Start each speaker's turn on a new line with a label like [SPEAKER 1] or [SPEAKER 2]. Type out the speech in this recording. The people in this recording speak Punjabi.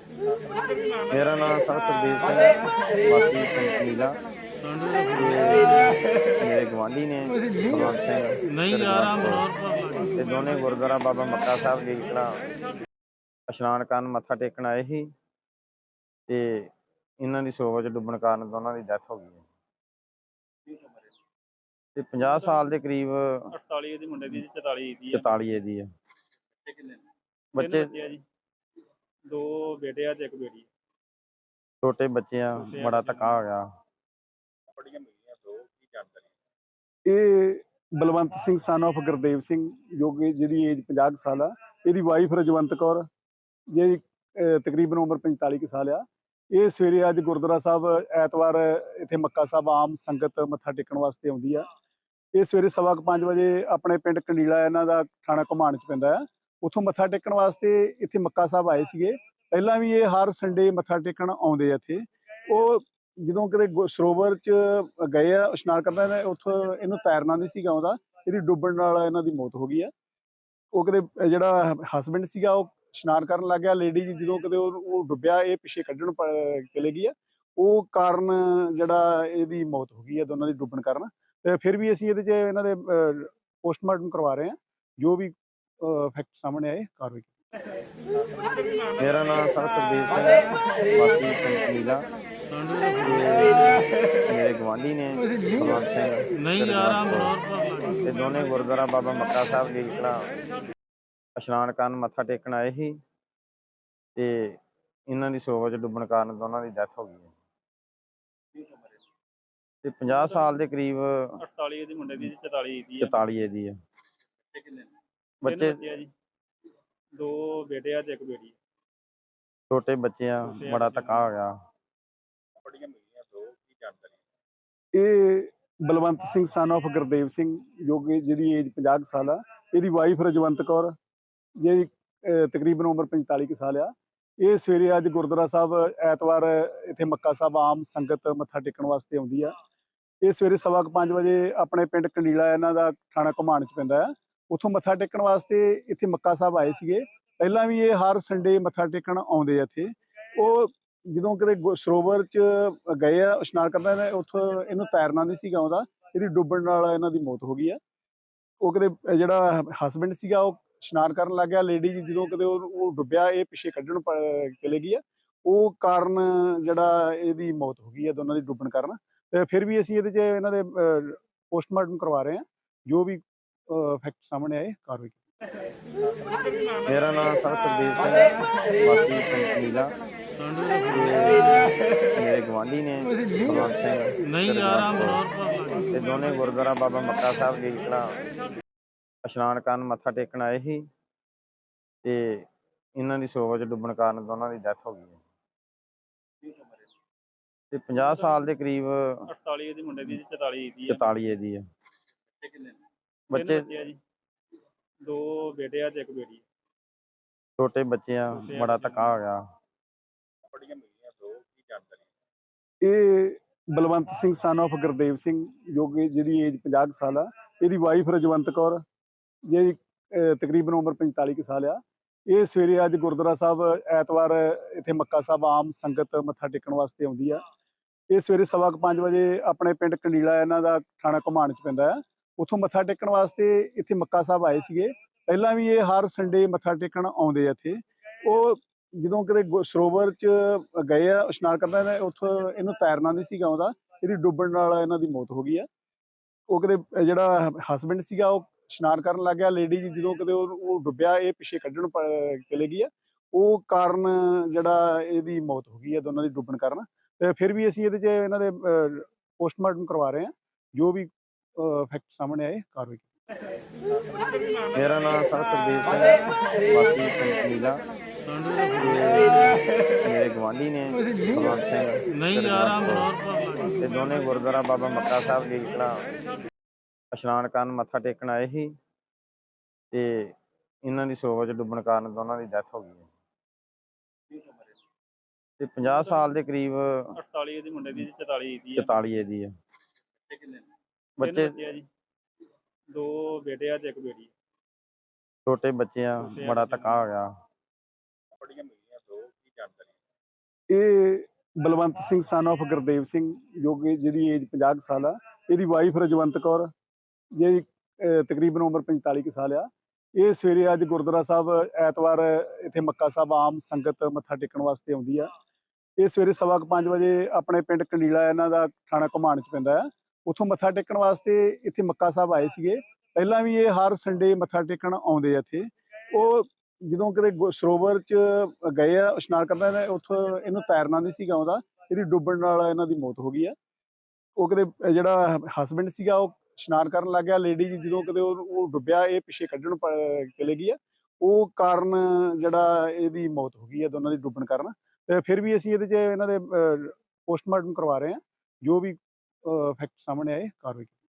[SPEAKER 1] मेरा नाम सर सुखदेव सिंह है, वासी पिंड कलीला। मेरे गवांढी ने कुलवंत सिंह
[SPEAKER 2] नहीं
[SPEAKER 1] ਤੇ
[SPEAKER 2] ਯਾਰ
[SPEAKER 1] ਰਘੁਵੰਤ ਤੇ ਦੋਨੇ ਗੁਰਦੁਆਰਾ ਬਾਬਾ ਮੱਕਾ ਸਾਹਿਬ ਜੀ ਇਸ਼ਨਾਨ ਕਰਨ ਮੱਥਾ ਟੇਕਣ ਆਏ ਸੀ ਤੇ ਇਹਨਾਂ ਦੀ ਸਰੋਵਰ 'ਚ ਡੁੱਬਣ ਕਾਰਨ ਦੋਨਾਂ ਦੀ ਡੈਥ ਹੋ ਗਈ ਹੈ ਤੇ 50 ਸਾਲ ਦੇ ਕਰੀਬ
[SPEAKER 2] 48 ਦੀ ਮੁੰਡੇ ਦੀ 44 ਦੀ
[SPEAKER 1] 44 ਇਹਦੀ ਹੈ।
[SPEAKER 2] ਬੱਚੇ
[SPEAKER 1] ਬੱਚੇ
[SPEAKER 2] ਆ ਜੀ, ਦੋ ਬੇਟੇ ਆ ਤੇ ਇੱਕ ਬੇਟੀ।
[SPEAKER 1] ਛੋਟੇ ਬੱਚੇ ਆ, ਬੜਾ ਧੱਕਾ ਹੋ ਗਿਆ।
[SPEAKER 3] ਇਹ ਬਲਵੰਤ ਸਿੰਘ ਸਨ ਆਫ ਗੁਰਦੇਵ ਸਿੰਘ ਜੋ ਕਿ ਜਿਹਦੀ ਏਜ 50 ਸਾਲ ਆ। ਇਹਦੀ ਵਾਈਫ ਰਜਵੰਤ ਕੌਰ ਜਿਹਦੀ ਤਕਰੀਬਨ ਉਮਰ 45 ਕੁ ਸਾਲ ਆ। ਇਹ ਸਵੇਰੇ ਅੱਜ ਗੁਰਦੁਆਰਾ ਸਾਹਿਬ ਐਤਵਾਰ ਇੱਥੇ ਮੱਕਾ ਸਾਹਿਬ ਆਮ ਸੰਗਤ ਮੱਥਾ ਟੇਕਣ ਵਾਸਤੇ ਆਉਂਦੀ ਆ। ਇਹ ਸਵੇਰੇ 5:15 ਵਜੇ ਆਪਣੇ ਪਿੰਡ ਕੰਡੀਲਾ ਇਹਨਾਂ ਦਾ ਥਾਣਾ ਘੁਮਾਣ 'ਚ ਪੈਂਦਾ ਆ, ਉੱਥੋਂ ਮੱਥਾ ਟੇਕਣ ਵਾਸਤੇ ਇੱਥੇ ਮੱਕਾ ਸਾਹਿਬ ਆਏ ਸੀਗੇ। ਪਹਿਲਾਂ ਵੀ ਇਹ ਹਰ ਸੰਡੇ ਮੱਥਾ ਟੇਕਣ ਆਉਂਦੇ ਆ ਇੱਥੇ। ਉਹ ਜਦੋਂ ਕਿਤੇ ਸਰੋਵਰ 'ਚ ਗਏ ਆ ਇਸ਼ਨਾਨ ਕਰਦਾ ਨੇ, ਉੱਥੋਂ ਇਹਨੂੰ ਤੈਰਨਾ ਨਹੀਂ ਸੀਗਾ ਆਉਂਦਾ, ਇਹਦੀ ਡੁੱਬਣ ਨਾਲ ਇਹਨਾਂ ਦੀ ਮੌਤ ਹੋ ਗਈ ਆ। ਉਹ ਕਿਤੇ ਜਿਹੜਾ ਹਸਬੈਂਡ ਸੀਗਾ ਉਹ ਇਸ਼ਨਾਨ ਕਰਨ ਲੱਗ ਗਿਆ, ਲੇਡੀ ਜਦੋਂ ਕਿਤੇ ਉਹ ਡੁੱਬਿਆ, ਇਹ ਪਿੱਛੇ ਕੱਢਣ ਚਲੇ ਗਈ ਆ। ਉਹ ਕਾਰਨ ਜਿਹੜਾ ਇਹਦੀ ਮੌਤ ਹੋ ਗਈ ਆ ਦੋਨਾਂ ਦੀ ਡੁੱਬਣ ਕਾਰਨ। ਤੇ ਫਿਰ ਵੀ ਅਸੀਂ ਇਹਦੇ 'ਚ ਇਹਨਾਂ ਦੇ ਪੋਸਟਮਾਰਟਮ ਕਰਵਾ ਰਹੇ ਹਾਂ, ਜੋ ਵੀ ਫੈਕਟ ਸਾਹਮਣੇ ਆਏ ਕਾਰਵਾਈ।
[SPEAKER 1] ਮੇਰਾ ਨਾਮ ਸਰ ਸੁਖਦੇਵ ਸਿੰਘ ਹੈ, ਵਾਸੀ ਪਿੰਡ ਕਲੀਲਾ। ਮੇਰੇ ਗਵਾਂਢੀ ਨੇ ਕੁਲਵੰਤ ਸਿੰਘ
[SPEAKER 2] ਨਹੀਂ ਯਾਰ
[SPEAKER 1] ਤੇ ਦੋਨੇ ਗੁਰਦੁਆਰਾ ਬਾਬਾ ਮੱਕਾ ਸਾਹਿਬ ਜੀ ਇਸ਼ਨਾਨ ਕਰਨ ਮੱਥਾ ਟੇਕਣ ਆਏ ਸੀ ਤੇ ਇਹਨਾਂ ਦੀ ਸਰੋਵਰ 'ਚ ਡੁੱਬਣ ਕਾਰਨ ਦੋਨਾਂ ਦੀ ਡੈਥ ਹੋ ਗਈ ਹੈ ਤੇ 50 ਸਾਲ ਦੇ ਕਰੀਬ
[SPEAKER 2] 48 ਦੀ ਮੁੰਡੇ ਦੀ 44 ਦੀ
[SPEAKER 1] 44 ਇਹਦੀ ਹੈ। ਬੱਚੇ
[SPEAKER 2] ਆ ਜੀ, ਦੋ ਬੇਟੇ ਆ ਤੇ ਇੱਕ ਬੇਟੀ।
[SPEAKER 1] ਛੋਟੇ ਬੱਚੇ ਆ, ਬੜਾ ਧੱਕਾ ਹੋ ਗਿਆ।
[SPEAKER 3] ਇਹ ਬਲਵੰਤ ਸਿੰਘ ਸਨ ਆਫ ਗੁਰਦੇਵ ਸਿੰਘ ਜੋ ਕਿ ਜਿਹਦੀ ਏਜ 50 ਸਾਲ ਆ। ਇਹਦੀ ਵਾਈਫ ਰਜਵੰਤ ਕੌਰ ਜਿਹਦੀ ਤਕਰੀਬਨ ਉਮਰ 45 ਕੁ ਸਾਲ ਆ। ਇਹ ਸਵੇਰੇ ਅੱਜ ਗੁਰਦੁਆਰਾ ਸਾਹਿਬ ਐਤਵਾਰ ਇੱਥੇ ਮੱਕਾ ਸਾਹਿਬ ਆਮ ਸੰਗਤ ਮੱਥਾ ਟੇਕਣ ਵਾਸਤੇ ਆਉਂਦੀ ਆ। ਇਹ ਸਵੇਰੇ 5:15 ਵਜੇ ਆਪਣੇ ਪਿੰਡ ਕੰਡੀਲਾ ਇਹਨਾਂ ਦਾ ਥਾਣਾ ਘੁਮਾਣ 'ਚ ਪੈਂਦਾ ਆ, ਉੱਥੋਂ ਮੱਥਾ ਟੇਕਣ ਵਾਸਤੇ ਇੱਥੇ ਮੱਕਾ ਸਾਹਿਬ ਆਏ ਸੀਗੇ। ਪਹਿਲਾਂ ਵੀ ਇਹ ਹਰ ਸੰਡੇ ਮੱਥਾ ਟੇਕਣ ਆਉਂਦੇ ਆ ਇੱਥੇ। ਉਹ ਜਦੋਂ ਕਿਤੇ ਸਰੋਵਰ 'ਚ ਗਏ ਆ ਇਸ਼ਨਾਨ ਕਰਦਾ ਨੇ, ਉੱਥੋਂ ਇਹਨੂੰ ਤੈਰਨਾ ਨਹੀਂ ਸੀਗਾ ਆਉਂਦਾ, ਇਹਦੀ ਡੁੱਬਣ ਨਾਲ ਇਹਨਾਂ ਦੀ ਮੌਤ ਹੋ ਗਈ ਆ। ਉਹ ਕਿਤੇ ਜਿਹੜਾ ਹਸਬੈਂਡ ਸੀਗਾ ਉਹ ਇਸ਼ਨਾਨ ਕਰਨ ਲੱਗ ਗਿਆ, ਲੇਡੀ ਜਦੋਂ ਕਿਤੇ ਉਹ ਡੁੱਬਿਆ, ਇਹ ਪਿੱਛੇ ਕੱਢਣ ਚਲੇ ਗਈ ਆ। ਉਹ ਕਾਰਨ ਜਿਹੜਾ ਇਹਦੀ ਮੌਤ ਹੋ ਗਈ ਆ ਦੋਨਾਂ ਦੀ ਡੁੱਬਣ ਕਾਰਨ। ਤੇ ਫਿਰ ਵੀ ਅਸੀਂ ਇਹਦੇ 'ਚ ਇਹਨਾਂ ਦੇ ਪੋਸਟਮਾਰਟਮ ਕਰਵਾ ਰਹੇ ਹਾਂ, ਜੋ ਵੀ ਫੈਕਟ ਸਾਹਮਣੇ ਆਏ ਕਾਰਵਾਈ।
[SPEAKER 1] ਮੇਰਾ ਨਾਮ ਸਰ ਸੁਖਦੇਵ ਸਿੰਘ ਹੈ, ਵਾਸੀ ਪਿੰਡ ਕਲੀਲਾ। ਮੇਰੇ ਗਵਾਂਢੀ ਨੇ ਕੁਲਵੰਤ ਸਿੰਘ
[SPEAKER 2] ਨਹੀਂ ਯਾਰ
[SPEAKER 1] ਤੇ ਦੋਨੇ ਗੁਰਦੁਆਰਾ ਬਾਬਾ ਮੱਕਾ ਸਾਹਿਬ ਜੀ ਇਸ਼ਨਾਨ ਕਰਨ ਮੱਥਾ ਟੇਕਣ ਆਏ ਸੀ ਤੇ ਇਹਨਾਂ ਦੀ ਸਰੋਵਰ 'ਚ ਡੁੱਬਣ ਕਾਰਨ ਦੋਨਾਂ ਦੀ ਡੈਥ ਹੋ ਗਈ ਹੈ ਤੇ 50 ਸਾਲ ਦੇ ਕਰੀਬ
[SPEAKER 2] 48 ਦੀ ਮੁੰਡੇ ਦੀ 44 ਦੀ
[SPEAKER 1] 44 ਇਹਦੀ ਹੈ। ਬੱਚੇ
[SPEAKER 2] ਆ ਜੀ, ਦੋ ਬੇਟੇ ਆ ਤੇ ਇੱਕ ਬੇਟੀ।
[SPEAKER 1] ਛੋਟੇ ਬੱਚੇ ਆ, ਬੜਾ ਧੱਕਾ ਹੋ ਗਿਆ।
[SPEAKER 3] ਇਹ ਬਲਵੰਤ ਸਿੰਘ ਸਨ ਆਫ ਗੁਰਦੇਵ ਸਿੰਘ ਜੋ ਕਿ ਜਿਹਦੀ ਏਜ 50 ਸਾਲ ਆ। ਇਹਦੀ ਵਾਈਫ ਰਜਵੰਤ ਕੌਰ ਜਿਹਦੀ ਤਕਰੀਬਨ ਉਮਰ 45 ਕੁ ਸਾਲ ਆ। ਇਹ ਸਵੇਰੇ ਅੱਜ ਗੁਰਦੁਆਰਾ ਸਾਹਿਬ ਐਤਵਾਰ ਇੱਥੇ ਮੱਕਾ ਸਾਹਿਬ ਆਮ ਸੰਗਤ ਮੱਥਾ ਟੇਕਣ ਵਾਸਤੇ ਆਉਂਦੀ ਆ। ਇਹ ਸਵੇਰੇ 5:15 ਵਜੇ ਆਪਣੇ ਪਿੰਡ ਕੰਡੀਲਾ ਇਹਨਾਂ ਦਾ ਥਾਣਾ ਘੁਮਾਣ 'ਚ ਪੈਂਦਾ ਆ, ਉੱਥੋਂ ਮੱਥਾ ਟੇਕਣ ਵਾਸਤੇ ਇੱਥੇ ਮੱਕਾ ਸਾਹਿਬ ਆਏ ਸੀਗੇ। ਪਹਿਲਾਂ ਵੀ ਇਹ ਹਰ ਸੰਡੇ ਮੱਥਾ ਟੇਕਣ ਆਉਂਦੇ ਆ ਇੱਥੇ। ਉਹ ਜਦੋਂ ਕਿਤੇ ਸਰੋਵਰ 'ਚ ਗਏ ਆ ਇਸ਼ਨਾਨ ਕਰਦਾ ਨੇ, ਉੱਥੋਂ ਇਹਨੂੰ ਤੈਰਨਾ ਨਹੀਂ ਸੀਗਾ ਆਉਂਦਾ, ਇਹਦੀ ਡੁੱਬਣ ਨਾਲ ਇਹਨਾਂ ਦੀ ਮੌਤ ਹੋ ਗਈ ਆ। ਉਹ ਕਿਤੇ ਜਿਹੜਾ ਹਸਬੈਂਡ ਸੀਗਾ ਉਹ ਇਸ਼ਨਾਨ ਕਰਨ ਲੱਗ ਗਿਆ, ਲੇਡੀ ਜਦੋਂ ਕਿਤੇ ਉਹ ਡੁੱਬਿਆ, ਇਹ ਪਿੱਛੇ ਕੱਢਣ ਚਲੇ ਗਈ ਆ। ਉਹ ਕਾਰਨ ਜਿਹੜਾ ਇਹਦੀ ਮੌਤ ਹੋ ਗਈ ਆ ਦੋਨਾਂ ਦੀ ਡੁੱਬਣ ਕਾਰਨ। ਤੇ ਫਿਰ ਵੀ ਅਸੀਂ ਇਹਦੇ 'ਚ ਇਹਨਾਂ ਦੇ ਪੋਸਟਮਾਰਟਮ ਕਰਵਾ ਰਹੇ ਹਾਂ, ਜੋ ਵੀ ਫੈਕਟ ਸਾਹਮਣੇ ਆਏ ਕਾਰਵਾਈ।
[SPEAKER 1] ਮੇਰਾ ਨਾਮ ਸਰ ਸੁਖਦੇਵ ਸਿੰਘ ਹੈ, ਵਾਸੀ ਪਿੰਡ ਕਲੀਲਾ। ਮੇਰੇ ਗਵਾਂਢੀ ਨੇ ਕੁਲਵੰਤ ਸਿੰਘ
[SPEAKER 2] ਨਹੀਂ ਯਾਰ
[SPEAKER 1] ਤੇ ਦੋਨੇ ਗੁਰਦੁਆਰਾ ਬਾਬਾ ਮੱਕਾ ਸਾਹਿਬ ਜੀ ਇਸ਼ਨਾਨ ਕਰਨ ਮੱਥਾ ਟੇਕਣ ਆਏ ਸੀ ਤੇ ਇਹਨਾਂ ਦੀ ਸਰੋਵਰ 'ਚ ਡੁੱਬਣ ਕਾਰਨ ਦੋਨਾਂ ਦੀ ਡੈਥ ਹੋ ਗਈ ਹੈ ਤੇ 50 ਸਾਲ ਦੇ ਕਰੀਬ
[SPEAKER 2] 48 ਦੀ ਮੁੰਡੇ ਦੀ 44 ਦੀ
[SPEAKER 1] 44 ਇਹਦੀ ਹੈ। ਬੱਚੇ
[SPEAKER 2] ਆ ਜੀ, ਦੋ ਬੇਟੇ ਆ ਤੇ ਇੱਕ ਬੇਟੀ।
[SPEAKER 1] ਛੋਟੇ ਬੱਚੇ ਆ, ਬੜਾ ਧੱਕਾ ਹੋ ਗਿਆ।
[SPEAKER 3] ਇਹ ਬਲਵੰਤ ਸਿੰਘ son of ਗੁਰਦੇਵ ਸਿੰਘ ਜੋ ਕਿ ਜਿਹਦੀ ਏਜ 50 ਕੁ ਸਾਲ ਆ। ਇਹਦੀ ਵਾਈਫ ਰਜਵੰਤ ਕੌਰ ਜਿਹਦੀ ਤਕਰੀਬਨ ਉਮਰ 45 ਕੁ ਸਾਲ ਆ। ਇਹ ਸਵੇਰੇ ਅੱਜ ਗੁਰਦੁਆਰਾ ਸਾਹਿਬ ਐਤਵਾਰ ਇੱਥੇ ਮੱਕਾ ਸਾਹਿਬ ਆਮ ਸੰਗਤ ਮੱਥਾ ਟੇਕਣ ਵਾਸਤੇ ਆਉਂਦੀ ਆ। ਇਹ ਸਵੇਰੇ 4:15 ਵਜੇ ਆਪਣੇ ਪਿੰਡ ਕੰਡੀਲਾ ਇਹਨਾਂ ਦਾ ਥਾਣਾ ਘੁਮਾਣ 'ਚ ਪੈਂਦਾ ਆ, ਉੱਥੋਂ ਮੱਥਾ ਟੇਕਣ ਵਾਸਤੇ ਇੱਥੇ ਮੱਕਾ ਸਾਹਿਬ ਆਏ ਸੀਗੇ। ਪਹਿਲਾਂ ਵੀ ਇਹ ਹਰ ਸੰਡੇ ਮੱਥਾ ਟੇਕਣ ਆਉਂਦੇ ਆ ਇੱਥੇ। ਉਹ ਜਦੋਂ ਕਿਤੇ ਸਰੋਵਰ 'ਚ ਗਏ ਆ ਇਸ਼ਨਾਨ ਕਰਨਾ, ਉੱਥੋਂ ਇਹਨੂੰ ਤੈਰਨਾ ਨਹੀਂ ਸੀਗਾ ਆਉਂਦਾ, ਇਹਦੀ ਡੁੱਬਣ ਨਾਲ ਇਹਨਾਂ ਦੀ ਮੌਤ ਹੋ ਗਈ ਆ। ਉਹ ਕਿਤੇ ਜਿਹੜਾ ਹਸਬੈਂਡ ਸੀਗਾ ਉਹ ਇਸ਼ਨਾਨ ਕਰਨ ਲੱਗ ਗਿਆ, ਲੇਡੀ ਜਦੋਂ ਕਿਤੇ ਉਹ ਡੁੱਬਿਆ, ਇਹ ਪਿੱਛੇ ਕੱਢਣ ਚਲੇ ਗਈ ਆ। ਉਹ ਕਾਰਨ ਜਿਹੜਾ ਇਹਦੀ ਮੌਤ ਹੋ ਗਈ ਆ ਦੋਨਾਂ ਦੀ ਡੁੱਬਣ ਕਾਰਨ। ਤੇ ਫਿਰ ਵੀ ਅਸੀਂ ਇਹਦੇ 'ਚ ਇਹਨਾਂ ਦੇ ਪੋਸਟਮਾਰਟਮ ਕਰਵਾ ਰਹੇ ਹਾਂ, ਜੋ ਵੀ ਫੈਕਟ ਸਾਹਮਣੇ ਆਏ ਕਾਰਵਾਈ